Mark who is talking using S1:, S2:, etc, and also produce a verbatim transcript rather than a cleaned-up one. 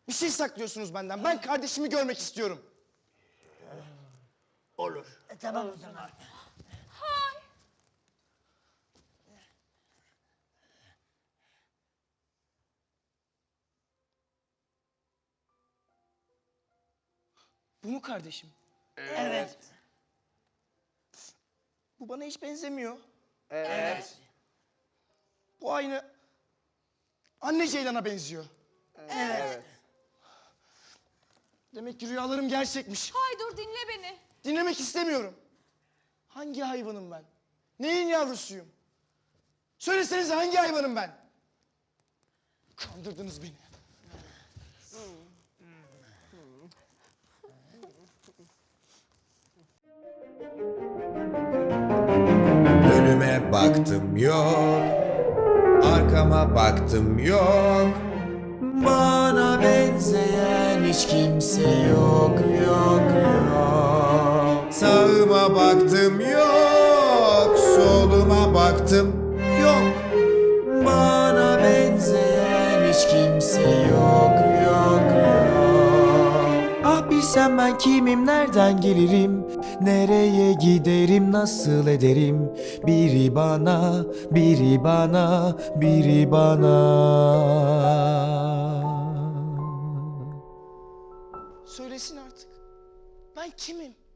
S1: Bir şey saklıyorsunuz benden. Ben kardeşimi görmek istiyorum.
S2: Olur.
S3: E, tamam o zaman.
S1: Bu mu kardeşim?
S3: Evet.
S1: Bu bana hiç benzemiyor.
S3: Evet.
S1: Bu aynı anne Ceylan'a benziyor.
S3: Evet.
S1: Demek ki rüyalarım gerçekmiş.
S4: Hay dur dinle beni.
S1: Dinlemek istemiyorum. Hangi hayvanım ben? Neyin yavrusuyum? Söylesenize hangi hayvanım ben? Kandırdınız beni.
S5: Önüme baktım yok, arkama baktım yok. Bana benzeyen hiç kimse yok, yok, yok. Sağıma baktım yok, soluma baktım yok. Bana benzeyen hiç kimse yok, yok, yok. Ah bilsem ben kimim, nereden gelirim, nereye giderim, nasıl ederim. Biri bana, biri bana, biri bana.
S1: Söylesin artık. Ben kimim?